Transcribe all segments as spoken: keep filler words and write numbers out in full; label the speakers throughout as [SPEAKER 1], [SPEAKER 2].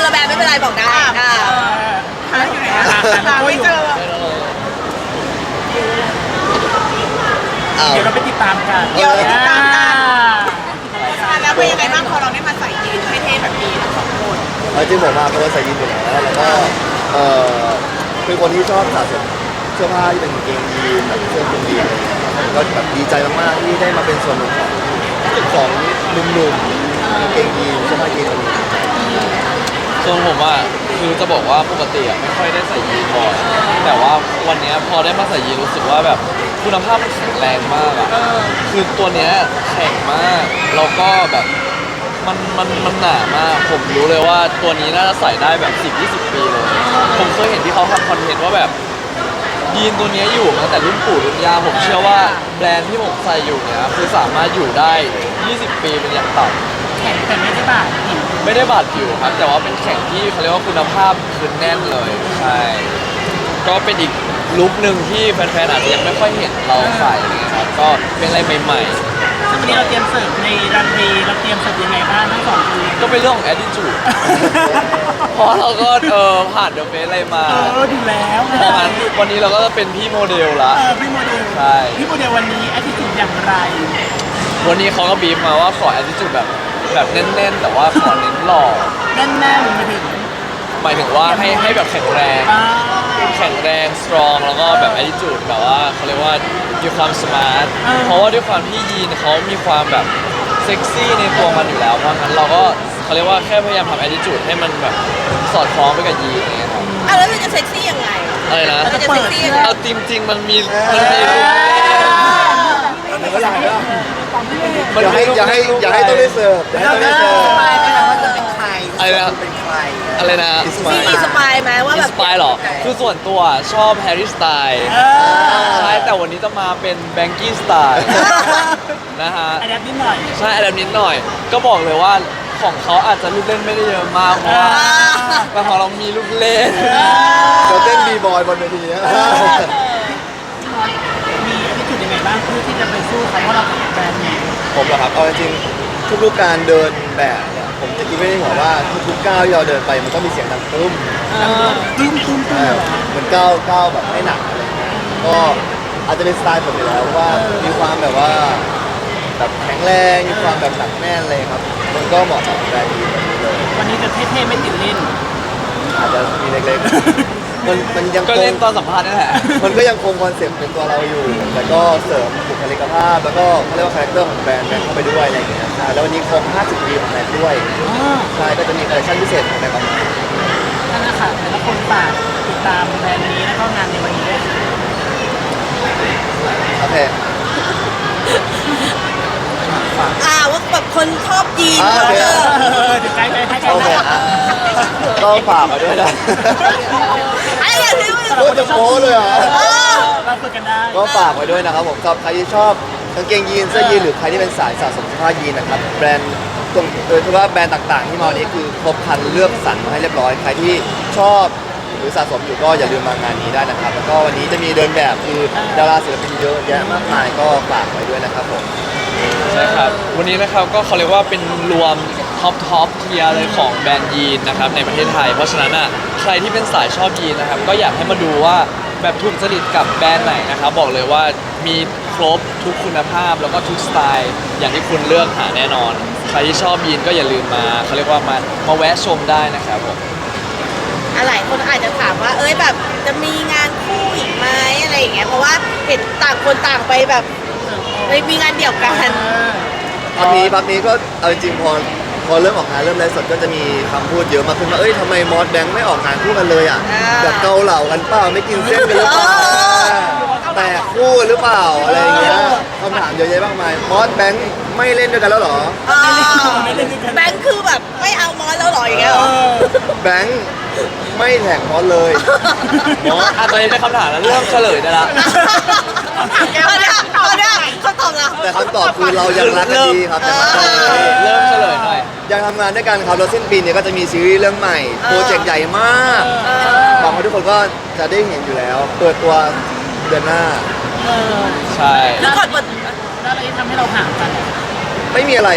[SPEAKER 1] ละแบรนด์ไม่เป็นไรบอกได้อ่า
[SPEAKER 2] หาอยู่ไหนอะหาไม่เจอเดี๋ยวเราไปติดตามกันเดี๋ยวไปติดตามกันแล้วเป็นยังไงบ้างพอเราได้มาใส่ยีนเท่ๆแบบนี้ทั้งสองคน
[SPEAKER 3] จริงผมมาเพราะว่าใส่ยีนอยู่แล้วแล้วก็เออเป็นคนที่ชอบสะสมเสื้อผ้าที่เป็นกางเกงยีนแบบเสื้อคลุมยีนอะไรอย่างเงี้ยครับก็แบบดีใจมากๆที่ได้มาเป็นส่วนหนึ่งของของหนุ่มๆกางเกงยีนเสื้อผ้ายีนอะไรอย่างเงี้ย
[SPEAKER 4] ส่วนผมอ่ะคือจะบอกว่าปกติอ่ะไม่ค่อยได้ใส่ยีนบ่อยแต่ว่าวันเนี้ยพอได้มาใส่ยีนรู้สึกว่าแบบคุณภาพมันแข็งแรงมากอ่ะคือตัวเนี้ยแข็งมากแล้วก็แบบมันมันมันหนามากผมรู้เลยว่าตัวนี้น่าจะใส่ได้แบบสิบ ยี่สิบปีเลยผมเคยเห็นที่เขาทำคอนเทนต์ว่าแบบยีนตัวเนี้ยอยู่มาตั้งแต่รุ่นปู่รุ่นย่าผมเชื่อว่าแบรนด์ที่ผมใส่อยู่เนี้ยคือสามารถอยู่ได้ยี่สิบปีเป็นอย่างต่ำ
[SPEAKER 2] แข่งแต่ไม่ได้บาดผิว
[SPEAKER 4] ไม่ได้บาดผิวครับแต่ว่าเป็นแข่งที่เขาเรียกว่าคุณภาพคือแน่นเลยใช่ก็เป็นอีกลุคหนึ่งที่แฟนๆอาจจะยังไม่ค่อยเห็นเราใส่อะไรเงี้ยครับก็เป็นอะไรใหม่
[SPEAKER 2] ซึ่งวันนี้เราเตรียมเสิร์ฟในรันเวย์เราเตรียมเสิร์ฟยังไงบ้างทั้งสองคน
[SPEAKER 4] ๆก็เป็นเรื่องของ attitude เพราะเราก็เออผ่านเดอะเฟสอะไรมา
[SPEAKER 2] เออดูแล้ว
[SPEAKER 4] เพราะงั้นวันนี้เราก็จะเป็นพี่โมเดลละ
[SPEAKER 2] เออพี่โมเดล
[SPEAKER 4] ใช่
[SPEAKER 2] พี่โมเดลวันนี้แอคทีฟอย่างไร
[SPEAKER 4] วันนี้เขาก็บีฟมาว่าขอ attitude แบบแบบแน่นๆแต่ว่าขอเน้นหล่อ
[SPEAKER 2] แน่นๆมาถึง
[SPEAKER 4] หมายถึงว่าให้ให้แบบแข็งแรง
[SPEAKER 2] อ่า
[SPEAKER 4] แข็งแรง strong แล้วก็แบบ attitude แบบว่าเขาเรียกว่ามีความ smart เพราะว่าด้วยความที่ยีนเขามีความแบบเซ็กซี่ในตัวมันอยู่แล้วเพราะงั้นเราก็เขาเรียกว่าแค่พยายามทำ attitude ให้มันแบบสอดคล้องไปกับยีนอย่างเงี้ยครับ
[SPEAKER 1] อ่ะแล้วเราจะเซ็กซี่ยังไง
[SPEAKER 4] อะไรนะ
[SPEAKER 1] เราจะเซ็กซี่ยังไง
[SPEAKER 4] เอาจริงๆมันมีมันมีลูก
[SPEAKER 3] เดี๋ยวก็หลังแล้ว
[SPEAKER 4] มัน
[SPEAKER 3] อย่าให้
[SPEAKER 4] มีลูก
[SPEAKER 3] อย่าให้
[SPEAKER 4] ลูก
[SPEAKER 3] อย่าให้ต้องได้เสิร์ฟอย่าให้ต้องได้เสิร์ฟ
[SPEAKER 1] สปายไหมคะว่าจะเป็นใคร
[SPEAKER 4] อะไรนะ
[SPEAKER 3] เป็นใคร
[SPEAKER 4] อะไรนะ
[SPEAKER 3] อิส
[SPEAKER 1] มี
[SPEAKER 3] มา
[SPEAKER 1] มีสปายไหมว่า
[SPEAKER 4] อิ
[SPEAKER 1] แบ
[SPEAKER 4] น
[SPEAKER 1] บ
[SPEAKER 4] สปายหรอคือส่วนตัวชอบแฮร์รี่สไตล์
[SPEAKER 2] เออ
[SPEAKER 4] ใช่แต่วันนี้จะมาเป็นแบงกี้สไตล์นะฮะ
[SPEAKER 2] อันนี้นิดหน่อย
[SPEAKER 4] ใช่อะไรนิดหน่อย ก็บอกเลยว่าของเขาอาจจะลูกเล่นไม่ได้เยอะมากเพราะว่าแต่ของเรามีลูกเล่น
[SPEAKER 3] เดี๋ยวเต้นบีบอยบนเวทีนะ
[SPEAKER 2] มีแอคทีฟยังไงบ้างเพื่อที่จะไปสู้เขาว่าเราเป็นแบรนด์ไง
[SPEAKER 3] ผมเหรอครับเอาจริงๆทุกๆการเดินแบบเนี่ยผมจะคิดไม่ได้หัวว่าทุกๆก้าวที่เราเดินไปมันต้องมีเสียงดังตุ้ม
[SPEAKER 2] ตุ้มตุ้มตุ้
[SPEAKER 3] ใช่
[SPEAKER 2] ม
[SPEAKER 3] เหมือนก้าวก้าวแบบไม่หนักอะไรเงี้ยก็อาจจะเป็นสไตล์ผมอยู่แล้วว่ามีความแบบว่าแบบแข็งแรงมีความแบบหนักแน่นเลยครับ มันก็เหมาะกับแบรนด์นี้แบบนี้เลย
[SPEAKER 2] วันนี้จะเท่ๆไม่ติดเล่น
[SPEAKER 3] อาจจะมีเล็กๆ มันมันยัง
[SPEAKER 4] ก็
[SPEAKER 3] ค
[SPEAKER 4] เล่
[SPEAKER 3] ง
[SPEAKER 4] นตอนสัมภาษณ์นั่นแหละ
[SPEAKER 3] มันก็ยังคงคอนเซ็ปต์เป็นตัวเราอยู่ แต่ก็เสริมบุคลิกภาพ แล้วก็เขาเรียกว่าคาแรคเตอร์ของแบรนด์แบรนด์เข้าไปด้วยอะไรอย่างเงี้ยใช่แล้ววันนี้ครบห้าสิบปีของแบรนด์ด้วยใช่ก็จะมีคอลเลคชั่นพิเศษของแบรนด์ออกมา
[SPEAKER 2] นั่นแหละค่ะแต่ละคนฝากติดตามแบรนด์นี้แล้วก็งานในวันนี้ด้วย
[SPEAKER 3] โอเค
[SPEAKER 1] อ่าว่าแบบคนชอบยีน
[SPEAKER 3] อ่า
[SPEAKER 1] เขา
[SPEAKER 3] โอเค
[SPEAKER 1] เจอ
[SPEAKER 2] เออเดี๋ยวใกล้ไปใกล้ๆ
[SPEAKER 3] โอเค
[SPEAKER 2] แล้ว
[SPEAKER 3] อ่ะก็ฝากมาด้วยนะ
[SPEAKER 1] อะไรอย่างนี้
[SPEAKER 3] โคตรจะโม้เลยเหรอ
[SPEAKER 2] เราฝึกกันได้
[SPEAKER 3] ก็ฝากไว้ด้วยนะครับผมสำหรับใครที่ชอบกางเกงยีนเสื้อยีนหรือใครที่เป็นสายสะสมเสื้อผ้ายีนนะครับแบรนด์ตรงโดยเฉพาะแบรนด์ต่างๆ ที่มาวันนี้คือครบครันเลือกสรรมาให้เรียบร้อยใครที่ชอบหรือสะสมอยู่ก็อย่าลืมมางานนี้ได้นะครับ แล้วก็วันนี้จะมีเดินแบบคือดาราศิลปินเยอะแยะมากมายก็ฝากไว้ด้วยนะครับผม
[SPEAKER 4] ใช่ครับ วันนี้นะครับก็เขาเรียกว่าเป็นรวมท็อปท็อปเทียร์เลยของแบรนด์ยีนนะครับในประเทศไทย เพราะฉะนั้นอ่ะใครที่เป็นสายชอบยีนนะครับก็อยากให้มาดูว่าแบบถูกจริตกับแบรนด์ไหนนะครับบอกเลยว่ามีครบทุกคุณภาพแล้วก็ทุกสไตล์อย่างที่คุณเลือกหาแน่นอน ใครที่ชอบยีนก็อย่าลืมมาเขาเรียกว่ามามาแวะชมได้นะครับผม
[SPEAKER 1] อะไรคนอาจจะถามว่า เอ้ยแบบจะมีงานคู่อีกไหมอะไรอย่างเงี้ยเพราะว่าเห็นต่างคนต่างไปแบบไปมีงานเดี่ยวกัน
[SPEAKER 3] พักนี้พักนี้ก็เอาจริงๆพอพอเริ่มออกงานเริ่มไลฟ์สดก็จะมีคำพูดเยอะมากขึ้นว่าเอ้ยทำไมมอสแบงค์ไม่ออกงานคู่กันเลยอ่ะ
[SPEAKER 1] อ่า
[SPEAKER 3] แบบเกาเหล่ากันเปล่าไม่กินเส้นกันหรือเปล่าแตกคู่หรือเปล่าอะไรอย่างเงี้ยคำถามเยอะแยะมากมายมอสแบงค์ไม่เล่นด้วยกันแล้วเหรอ
[SPEAKER 1] อ่าแบงค์คือแบบไม่เอามอสแล้วเหรออย่างเงี้ยเหรอ
[SPEAKER 3] แบงค์ไม่แท็กมอสเลย
[SPEAKER 4] มอสอ่ะตอนนี้เป็นคำถามแล้วเริ่มเฉลยได้ละ
[SPEAKER 1] ตอนเนี้ยตอนเนี้ยเขาตอบแล้ว
[SPEAKER 3] แต่คำตอบคือเรายังรักกันดีครับยังรักกันดี
[SPEAKER 4] เริ่มเฉลยหน่อย
[SPEAKER 3] ยังทำงานด้วยกันครับแล้วสิ้นปีนี้ก็จะมีซีรีส์เรื่องใหม่โปรเจกต์ใหญ่มากหวังว่าทุกคนก็จะได้เห็นอยู่แล้ว เปิดตัวเดือนหน้า
[SPEAKER 4] ใช่
[SPEAKER 1] คือก่อนเปิด
[SPEAKER 2] แล้วอะไรที่ทำให้เราห่างกัน
[SPEAKER 3] ไม่มีอะไรครับ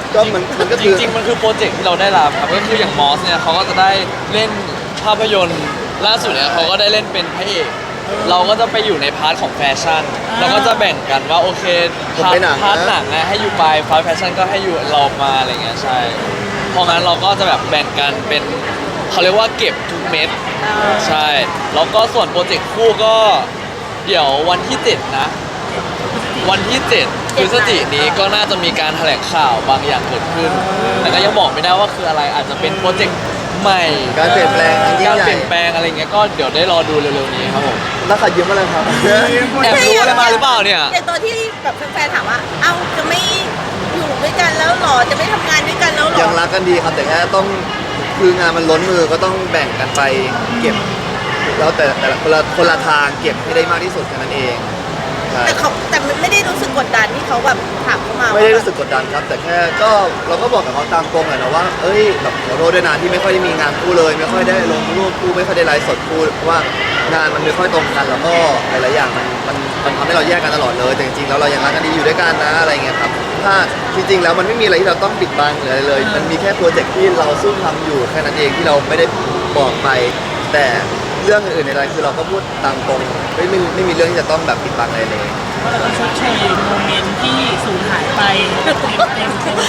[SPEAKER 3] ก็มันมันก็
[SPEAKER 4] จ
[SPEAKER 3] คือ
[SPEAKER 4] ริงๆ มันคือโปรเจกต์ที่เราได้รับครับก็คืออย่างมอสเนี่ยเขาก็จะได้เล่นภาพยนตร์ล่าสุดเนี่ยเขาก็ได้เล่นเป็นพระเอกเราก็จะไปอยู่ในพาร์ทของแฟชั่นเราก็จะแบ่งกันว่าโอเค
[SPEAKER 3] ผม
[SPEAKER 4] พา
[SPEAKER 3] ไป
[SPEAKER 4] ร์ท
[SPEAKER 3] หนัง
[SPEAKER 4] พาร์ท
[SPEAKER 3] นะ
[SPEAKER 4] หนังนะให้อยู่ไปพาร์ทแฟชั่นก็ให้อยู่เรามาอะไรเงี้ยใช่เพราะงั้นเราก็จะแบบแบ่งกันเป็นเขาเรียกว่าเก็บทุกเม็ดใช่แล้วก็ส่วนโปรเจกต์คู่ก็เดี๋ยววันที่เจ็ดนะ วันที่เจ็ดพฤศจิกายนนี้ก็น่าจะมีการแถลงข่าวบางอย่างเกิดขึ้น แต่ก็ยังบอกไม่ได้ว่าคืออะไรอาจจะเป็นโปรเจกต์ใหม่
[SPEAKER 3] การเปลี่ยนแปลงอันยิ่
[SPEAKER 4] กาง ร
[SPEAKER 3] ใหญ่
[SPEAKER 4] เปลี่ยนแปลงอะไรเงี้ยก็เดี๋ยวได้รอดูเร็วๆนี้ครับผม
[SPEAKER 3] แล้วขัดยืมอะไรครับ
[SPEAKER 4] แอบรู้อะไรมาหรือเปล่าเนี่ย
[SPEAKER 1] อย่างตัวที่แบบแฟนๆถามว่า เอ้าจะไม่อยู่ด้วยกันแล้วหรอ จะไม่ทำงานด้วยกันแล้วหรอ
[SPEAKER 3] ยังรักกันดีครับแต่แค่ต้องคืองานมันล้นมือก็ต้องแบ่งกันไปเก็บ แล้วแต่แต่ละคนละคนละทางเก็บให้ได้มากที่สุดแค่นั้นเองใช่
[SPEAKER 1] แต่เขาแต่ไม่ได้รู้สึกกดดันที่เขาแบบถามเข้ามา
[SPEAKER 3] ไม่ได้รู้สึกกดดันครับ แต่แค่ก็เราก็บอกกับเขาตามตรงแหละนะว่าเอ้ยแบบขอโทษด้วยนะที่ไม่ค่อยได้มีงานคู่เลย ไม่ค่อยได้ลงรูปคู่ไม่ค่อยได้ไลฟ์สดคู่เพราะว่างานมันไม่ค่อยตรงกันแล้วก็หลายๆอย่างมันมันมันทำให้เราแยกกันตลอดเลยแต่จริงๆแล้วเรายังรักกันดีอยู่ด้วยกันนะอะไรเงี้ยครับถ้าจริงๆแล้วมันไม่มีอะไรที่เราต้องปิดบังหรืออะไรเลย มันมีแค่โปรเจกต์ที่เราซุ่มทำอยู่แค่นั้นเองที่เราไม่ได้บอกไป แต่เรื่องอื่นๆในอะไรคือเราก็พูดตามตรงไม่ไม่ไม่มีเรื่องที่จะต้องแบบปิดบังอะไรเลย
[SPEAKER 2] ก็เราต้องชดเชยโมเมนต์ที่สูญหายไปเต็มเต็มเต็มเต็ม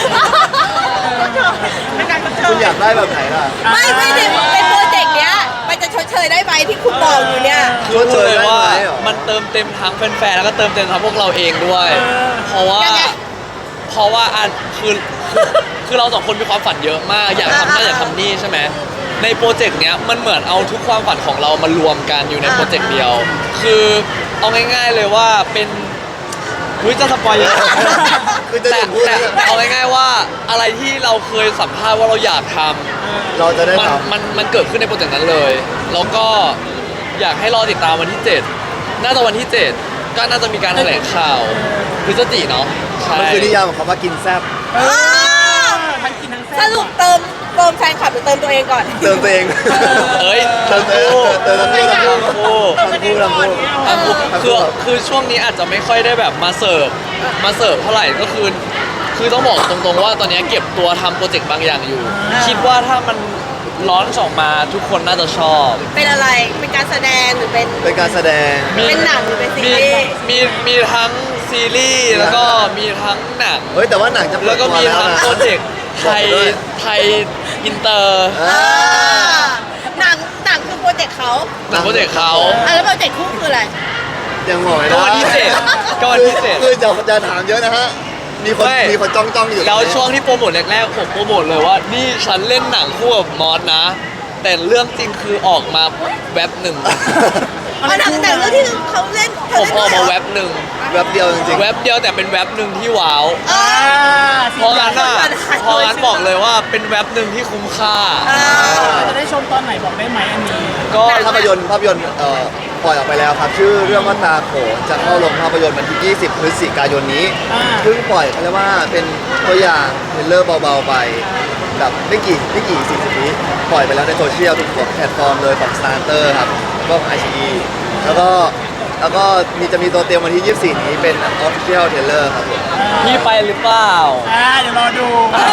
[SPEAKER 2] เป็นการชดเช
[SPEAKER 3] คุณ
[SPEAKER 2] ย
[SPEAKER 3] อยากได้แบบไหนล่ะ
[SPEAKER 1] ไม่ไม่ในในโปรเจกต์เนี้ยมันจะชดเชยได้ไหมที่คุณบอกอยู่เนี่ย
[SPEAKER 4] คือพูดเลยว่า
[SPEAKER 3] ได้ไหมเหรอ
[SPEAKER 4] มันเติมเต็มทั้งแฟนๆแล้วก็เติมเต็มทั้งพวกเราเองด้วย เพราะว่า
[SPEAKER 1] ยังไง
[SPEAKER 4] เพราะว่าอันคือคือคือเราสองคนมีความฝันเยอะมาก อยากทำนั่นอยากทำนี่ใช่ไหมในโปรเจกต์เนี้ยมันเหมือนเอาทุกความฝันของเรามารวมกันอยู่ในโปรเจกต์เดียว คือเอาง่ายๆเลยว่าเป็นวิจะสปอยเยอะ
[SPEAKER 3] คือจะ
[SPEAKER 4] แต่
[SPEAKER 3] ถึงพูด
[SPEAKER 4] แต่
[SPEAKER 3] แล้ว
[SPEAKER 4] แต่เอาง่ายๆว่าอะไรที่เราเคยสัมภาษณ์ว่าเราอยากทำ
[SPEAKER 3] เราจะได้
[SPEAKER 4] มัน
[SPEAKER 3] ท
[SPEAKER 4] มันมันเกิดขึ้นในโปรเจกต์นั้นเลย แล้วก็อยากให้รอติดตามวันที่ เจ็ด น่าจะวันที่ เจ็ด ก็น่าจะมีการแถลงข่าวพฤศจิเนาะใช่
[SPEAKER 3] ำมันคือนิยามของคำว่ากินแซ่บ
[SPEAKER 1] อ้าว
[SPEAKER 2] ทั้งกินทั้งแซ่
[SPEAKER 1] สรุปเติมเติมแฟนคลับหรือเติมตัวเองก่อน
[SPEAKER 3] เติมตัวเอง
[SPEAKER 4] เอ้ย
[SPEAKER 3] เติมตัวเองเติมทั้งคู่ทั้งคู่
[SPEAKER 4] ทั้งคู่
[SPEAKER 3] ทั้งคู่ทั้งคู่
[SPEAKER 4] ทั้งคู่คือคือช่วงนี้อาจจะไม่ค่อยได้แบบมาเสิร์ฟมาเสิร์ฟเท่าไหร่ก็คือ คือต้องบอกตรงๆว่าตอนนี้เก็บตัวทำโปรเจกต์บางอย่างอยู่
[SPEAKER 1] อ่า
[SPEAKER 4] คิดว่าถ้ามันร้อนออกมาทุกคนน่าจะชอบ
[SPEAKER 1] เป็นอะไร เป็นการแสดงหรือเป็น
[SPEAKER 3] เป็นการแสดง
[SPEAKER 1] เป็นหนังหรือเป็นซี
[SPEAKER 4] มี
[SPEAKER 1] รีส์
[SPEAKER 4] มีมีทั้งซีรีส์แล้วก็มีทั้งหนัง
[SPEAKER 3] เฮ้ยแต่ว่าหนังจะเปิ
[SPEAKER 4] แล้
[SPEAKER 3] ด
[SPEAKER 4] วก็
[SPEAKER 3] ตัว
[SPEAKER 4] มี
[SPEAKER 3] แล้ว
[SPEAKER 4] ทั้ง
[SPEAKER 3] นะ
[SPEAKER 4] โปรเจกต์ไทย
[SPEAKER 3] บอกด้วย
[SPEAKER 4] ไทยอินเตอร์
[SPEAKER 3] อ่า
[SPEAKER 1] อ่าหนังหนังคือโปรเจกต์เขา
[SPEAKER 4] หนังโปรเจกต์เขา
[SPEAKER 1] อ่ะแล้วโปรเจกต์คู่คืออะไร
[SPEAKER 3] ยังบอกไม่
[SPEAKER 4] ก็
[SPEAKER 3] ได้
[SPEAKER 4] วันที่เจ็ดก็วันที่เจ็ด
[SPEAKER 3] คือจะจะถามเยอะนะฮะ มีคน
[SPEAKER 4] ไม่
[SPEAKER 3] มีคนจ้องจ้องๆอยู่
[SPEAKER 4] แล้วช่วงที่โปรโมทแรกๆผมโปรโมทเลยว่า นี่ฉันเล่นหนังคู่กับมอสนะ แต่เรื่องจริงคือออกมาแว็บหนึ่ง
[SPEAKER 1] อ๋อหนังแต่เรื่องที่เขาเล่นเธ
[SPEAKER 4] ผมออก
[SPEAKER 1] เล่นด้วยเหร
[SPEAKER 4] มาแว็บหนึ่ง
[SPEAKER 3] แวบเดียวจริง
[SPEAKER 4] แว็บเดียวแต่เป็นแว็บหนึ่งที่ว้าว
[SPEAKER 1] อ่า
[SPEAKER 4] เพราะงั้นน่ะเพราะงั้นบอกเลยว่าเป็นแว็บหนึ่งที่คุ้มค่า
[SPEAKER 1] อ่า
[SPEAKER 2] เราจะได้ชมตอนไหนบอกได้ไหมอันนี้
[SPEAKER 4] ก็
[SPEAKER 3] ๆภาพยนตร์ภาพยนตร์เอ่อปล่อยออกไปแล้วครับ ชื่อเรื่องว่าตาโขนจะเข้าลงภาพยนตร์วันที่ ยี่สิบ พฤศจิกายนนี้
[SPEAKER 2] อ่า
[SPEAKER 3] เพิ่งปล่อยเขาเรียกว่าเป็นตัวอย่างเทรลเลอร์เบาๆไปแบบไม่กี่ไม่กี่สี่สิบวิปล่อยไปแล้วในโซเชียลทุกแพลตฟอร์มเลยของ Starter ครับก็ไอชีแล้วก็แล้วก็มีจะมีตัวเตรียมวันที่ ยี่สิบสี่ นี้เป็น Official Trailer ครับผม
[SPEAKER 4] พี่ไปหรือเปล่า
[SPEAKER 2] อ่าเดี๋ยวรอดู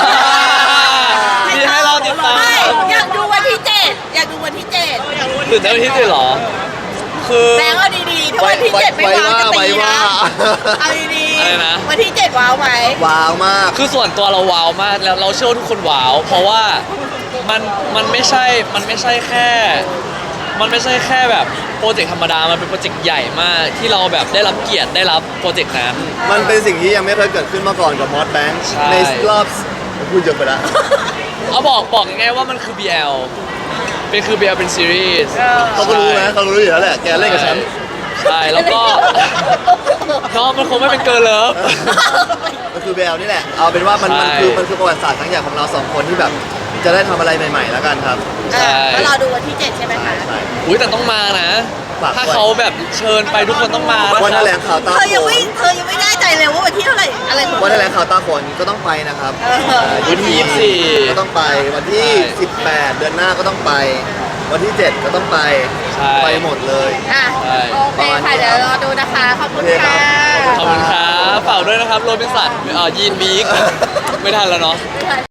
[SPEAKER 4] มีให้เราติดตาม
[SPEAKER 1] ไม่อยากดูวันที่เจ็ดอยากดูวันที่เจ็ด
[SPEAKER 4] ตื่นเต้นที่สุดเหรอ คือ
[SPEAKER 1] แบงค์เอาดีๆถ้าวันที่เจ็ดไม่ว้าวจะตีนะเอาดี
[SPEAKER 4] อะไรนะ
[SPEAKER 1] ๆวันที่เจ็ดว้าวไหม
[SPEAKER 3] ว้าวมาก
[SPEAKER 4] คือส่วนตัวเราว้าวมากแล้วเราเชื่อว่าทุกคนว้าว เพราะว่ามันมันไม่ใช่มันไม่ใช่แค่ มันไม่ใช่แค่แบบโปรเจกต์ธรรมดา มันเป็นโปรเจกต์ใหญ่มากที่เราแบบได้รับเกียรติได้รับโปรเจกต์นั้น
[SPEAKER 3] มันเป็นสิ่งที่ยังไม่เคยเกิดขึ้นมาก่อนกับมอสแบงค์
[SPEAKER 4] ใช่
[SPEAKER 3] ในรอบพูดเยอะไปแล้ว
[SPEAKER 4] เอาบอกบอกยังไงว่ามันคือ บี แอล เป็นคือ บี แอล เป็นซีรีส์
[SPEAKER 3] เขาก็รู้นะเขารู้อยู่แล้วแหละแกเล่นกับฉัน
[SPEAKER 4] ใช่แล้วก็ น้องมันคงไม่เป็นเกิร์ลเลิฟ
[SPEAKER 3] มันคือแววนี่แหละ เอาเป็นว่ามัน
[SPEAKER 4] ใช่
[SPEAKER 3] มันคือมันคือประวัติศาสตร์ครั้งใหญ่ของเราสองคนที่แบบจะได้ทำอะไรใหม่ๆแล้วกันครับ
[SPEAKER 4] ใช่
[SPEAKER 1] เออก็รอดูวันที่เจ็ดใช่ไหม
[SPEAKER 3] ใช่
[SPEAKER 1] คะ
[SPEAKER 3] ใช่
[SPEAKER 4] อุ้ยแต่ต้องมานะ
[SPEAKER 3] ฝาก
[SPEAKER 4] ถ้า
[SPEAKER 3] ด้วย
[SPEAKER 4] เขาแบบเชิญไปทุกคนต้องมานะ
[SPEAKER 3] วัน
[SPEAKER 4] ค
[SPEAKER 3] แถ
[SPEAKER 4] รับ
[SPEAKER 3] ลงข่าวตา
[SPEAKER 1] เธอ
[SPEAKER 3] โข
[SPEAKER 1] ยังไม่
[SPEAKER 3] น
[SPEAKER 1] เธอยังไม่แน่ใจเลยว่าวันที่เท่าไหร่อะไรของ
[SPEAKER 3] วันแถลงข่าวตาโขนก็ต้องไปนะครับ
[SPEAKER 1] เออ
[SPEAKER 3] อ่า
[SPEAKER 4] วันที่ยี่สิบสี่
[SPEAKER 3] ก็ต้องไป วันที่
[SPEAKER 4] ใช่
[SPEAKER 3] สิบแปด เดือนหน้าก็ต้องไป วันที่เจ็ดก็ต้องไป
[SPEAKER 4] ใช่
[SPEAKER 3] ไปหมดเลย
[SPEAKER 1] อ่ะ
[SPEAKER 4] ใช่
[SPEAKER 1] โอเคค่ะเดี๋ยวรอดูนะคะ ขอบคุณ
[SPEAKER 3] โอเคครั
[SPEAKER 1] ค่ะ
[SPEAKER 3] บ
[SPEAKER 4] ขอบคุณครับฝากด้วยนะครับโรบินสันเอ่อยีนบีกไม่ทันแล้วเนาะ